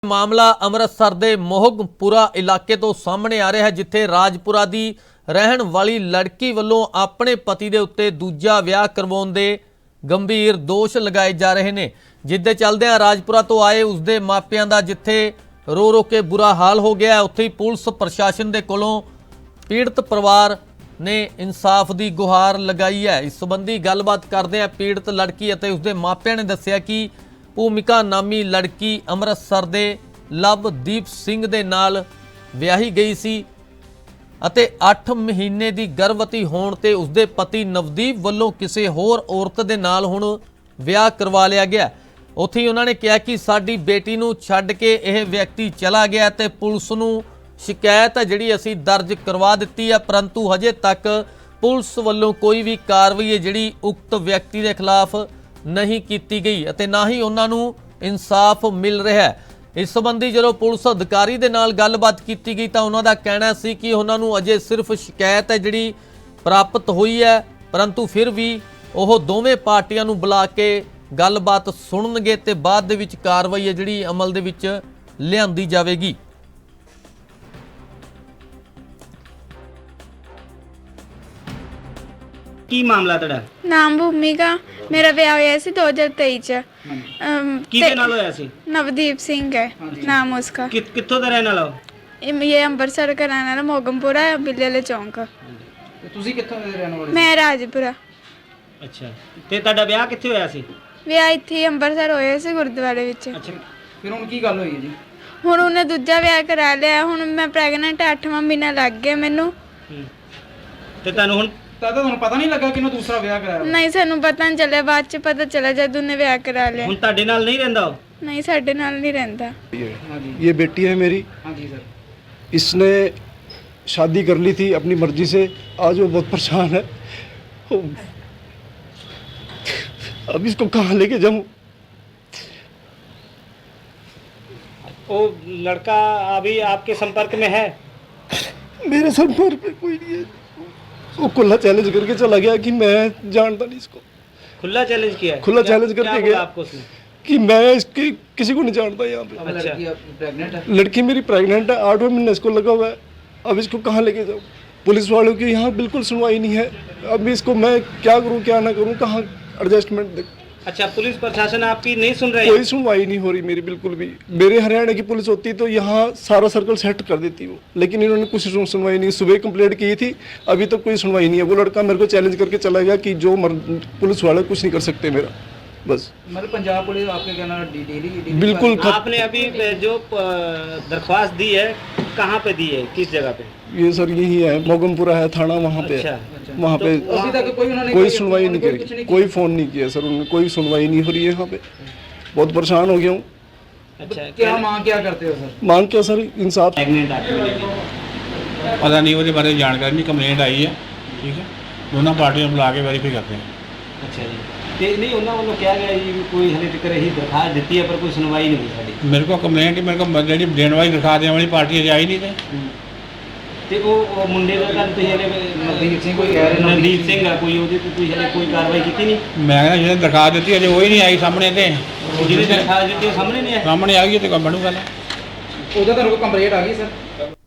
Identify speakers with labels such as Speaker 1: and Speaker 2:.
Speaker 1: मामला अमृतसर के मोहगपुरा इलाके तो सामने आ रहा है, जिथे राजपुरा की रहन वाली लड़की वालों अपने पति के उत्ते दूजा विआह करवाउण दे गंभीर दोष लगाए जा रहे हैं। जिसदे चलदे राजपुरा तो आए उसके मापियां दा जिथे रो रो के बुरा हाल हो गया है, उत्थे ही पुलिस प्रशासन के कोलों पीड़ित परिवार ने इंसाफ की गुहार लगाई है। इस संबंधी गलबात करदे पीड़ित लड़की और उसके मापियां ने दस्सिया कि भूमिका नामी लड़की अमृतसर दे लवदीप सिंह दे नाल विआही गई सी ਅਤੇ 8 महीने की गर्भवती होने ते उसके पति नवदीप वालों किसी होर औरत दे नाल हुण विआह करवा लिया गया। उत्थे ही उन्होंने कहा कि साडी बेटी नूं छड्ड के यह व्यक्ति चला गया ते पुलिस नूं शिकायत है जिहड़ी असीं दर्ज करवा दित्ती है, परंतु हजे तक पुलिस वालों कोई भी कार्रवाई है जिहड़ी उक्त व्यक्ति के खिलाफ नहीं की गई अते ना ही उन्हां नूं इंसाफ मिल रहा है। इस संबंधी जो पुलिस अधिकारी दे नाल गलबात की गई तो उन्हों का कहना सी कि उन्होंने अजे सिर्फ शिकायत है जिहड़ी प्राप्त हुई है, परंतु फिर भी वह दोवें पार्टियां नूं बुला के गलबात सुनणगे ते बाद दे विच कार्रवाई है जिहड़ी अमल दे विच लिआंदी जावेगी।
Speaker 2: की मामला तड़ा
Speaker 3: नाम भूमिका, मेरा विआह होया सी 2023 च।
Speaker 2: किहदे नाल होया सी?
Speaker 3: नवदीप सिंह है नाम उसका।
Speaker 2: कित्थों दा रहने वाला हो?
Speaker 3: ये अंबरसर का रहने वाला, मोगमपुरा बिल्ले वाले चौंक।
Speaker 2: ਤੁਸੀਂ ਕਿੱਥੋਂ ਦੇ ਰਹਿਣ ਵਾਲੇ?
Speaker 3: मैं राजपुरा।
Speaker 2: ਅੱਛਾ ਤੇ ਤੁਹਾਡਾ ਵਿਆਹ ਕਿੱਥੇ ਹੋਇਆ ਸੀ?
Speaker 3: ਵਿਆਹ ਇੱਥੇ ਹੀ ਅੰਬਰਸਰ ਹੋਇਆ ਸੀ ਗੁਰਦੁਆਰੇ ਵਿੱਚ।
Speaker 2: ਅੱਛਾ ਫਿਰ ਹੁਣ ਕੀ ਗੱਲ ਹੋਈ ਹੈ ਜੀ?
Speaker 3: ਹੁਣ ਉਹਨੇ ਦੂਜਾ ਵਿਆਹ ਕਰਾ ਲਿਆ। ਹੁਣ ਮੈਂ ਪ੍ਰੈਗਨੈਂਟ 8ਵਾਂ ਮਹੀਨਾ ਲੱਗ ਗਿਆ ਮੈਨੂੰ।
Speaker 2: ਤੇ ਤੁਹਾਨੂੰ ਹੁਣ
Speaker 4: ਤੁਹਾਨੂੰ ਪਤਾ ਨਹੀਂ ਲੱਗਾ ਕਿ ਉਹਨੇ ਦੂਸਰਾ ਵਿਆਹ ਕਰਾਇਆ?
Speaker 3: ਨਹੀਂ ਸਾਨੂੰ ਪਤਾ ਨਹੀਂ ਚੱਲਿਆ, ਬਾਅਦ ਚ ਪਤਾ ਚੱਲਿਆ ਜਦ ਉਹਨੇ ਵਿਆਹ ਕਰਾ ਲਿਆ।
Speaker 2: ਹੁਣ ਤੁਹਾਡੇ ਨਾਲ ਨਹੀਂ ਰਹਿੰਦਾ ਉਹ?
Speaker 3: नहीं साढ़े नाल नहीं रहता।
Speaker 4: ये बेटी है मेरी।
Speaker 2: हाँ जी सर।
Speaker 4: इसने शादी कर ली थी अपनी मर्जी से, आज वो बहुत परेशान है। अब इसको कहाँ लेके जाऊँ?
Speaker 2: वो लड़का अभी आपके संपर्क में है?
Speaker 4: मेरे संपर्क में कोई नहीं है। वो खुला चैलेंज करके चला गया कि मैं जानता नहीं इसको।
Speaker 2: खुला चैलेंज किया है?
Speaker 4: खुला चैलेंज करके
Speaker 2: क्या
Speaker 4: गया
Speaker 2: बोला आपको उसने?
Speaker 4: कि मैं इसकी किसी को नहीं जानता यहाँ पे।
Speaker 2: अच्छा
Speaker 4: प्रेग्नेंट है? लड़की मेरी प्रेग्नेंट है, 8वां महीना इसको लगा हुआ है। अब इसको कहाँ लेके जाऊँ? पुलिस वालों की यहाँ बिल्कुल सुनवाई नहीं है। अब इसको मैं क्या करूँ क्या ना करूँ, कहाँ एडजस्टमेंट दे?
Speaker 2: अच्छा पुलिस प्रशासन आपकी नहीं सुन रही?
Speaker 4: कोई सुनवाई नहीं हो रही मेरी बिल्कुल भी। मेरे हरियाणा की पुलिस होती तो यहाँ सारा सर्कल सेट कर देती वो, लेकिन इन्होंने कुछ सुनवाई नहीं। सुबह कंप्लेंट की थी, अभी तक कोई सुनवाई नहीं है। वो लड़का मेरे को चैलेंज करके चला गया कि जो पुलिस वाले कुछ नहीं कर सकते मेरा, बस।
Speaker 5: मतलब पंजाब पुलिस आपके कहना डेली
Speaker 4: बिल्कुल
Speaker 2: आपने अभी जो दरख्वास्त दी है कहाँ पे दी है, किस जगह पे?
Speaker 4: ये सर यही है, मोगमपुरा है थाना, वहाँ पे
Speaker 2: अच्छा,
Speaker 4: वहाँ पे
Speaker 5: अभी तक
Speaker 4: कोई सुनवाई नहीं करी, कोई फ़ोन नहीं किया सर उन्होंने, कोई सुनवाई नहीं हो रही है यहाँ पे। बहुत परेशान हो गया हूँ।
Speaker 2: अच्छा
Speaker 5: क्या मांग क्या करते हो सर?
Speaker 4: मांग क्या सर? इंसाफ।
Speaker 2: प्रेग्नेंट आपकी
Speaker 6: पता नहीं उसके बारे में जानकारी नहीं, कंप्लेंट आई है, ठीक है, दोनों पार्टियों को बुला के वेरीफाई करते हैं।
Speaker 2: अच्छा जी ਤੇ ਨਹੀਂ ਉਹਨਾਂ ਵੱਲੋਂ ਕਿਹਾ ਗਿਆ ਜੀ ਵੀ ਕੋਈ ਹਲੇ ਤੱਕ ਇਹੀ ਦਰਖਾਸਤ ਦਿੱਤੀ ਹੈ ਪਰ ਕੋਈ ਸੁਣਵਾਈ ਨਹੀਂ ਹੋਈ ਸਾਡੀ।
Speaker 6: मेरे को कंप्लेंट ही मेरे को ਜਿਹੜੀ ਦੇਣ ਵਾਲੀ ਦਿਖਾ ਦੇਣ ਵਾਲੀ ਪਾਰਟੀ ਅਜੇ ਆਈ ਨਹੀਂ
Speaker 2: ਤੇ ਉਹ ਮੁੰਡੇ ਦਾ ਤਾਂ ਤੁਸੀਂ ਹਲੇ
Speaker 5: नवदीप सिंह कोई कह रहे
Speaker 2: ਨਵਦੀਪ ਸਿੰਘ ਆ ਕੋਈ, ਉਹਦੇ ਤੇ ਤੁਸੀਂ ਹਲੇ ਕੋਈ ਕਾਰਵਾਈ ਕੀਤੀ ਨਹੀਂ?
Speaker 6: ਮੈਂ ਕਹਿੰਦਾ ਜਿਹਨੇ ਦਿਖਾ ਦਿੱਤੀ ਅਜੇ ਉਹ ਹੀ ਨਹੀਂ ਆਈ ਸਾਹਮਣੇ ਤੇ
Speaker 2: ਜਿਹਦੀ ਦਰਖਾਸਤ ਦਿੱਤੀ ਉਹ ਸਾਹਮਣੇ ਨਹੀਂ ਆਇਆ?
Speaker 6: ਸਾਹਮਣੇ ਆ ਗਈ ਤੇ ਕੋਈ ਬਣੂਗਾ ਨਾ।
Speaker 5: ਉਹਦਾ ਤੁਹਾਨੂੰ ਕੋਈ ਕੰਪਲੇਂਟ ਆ ਗਈ ਸਰ?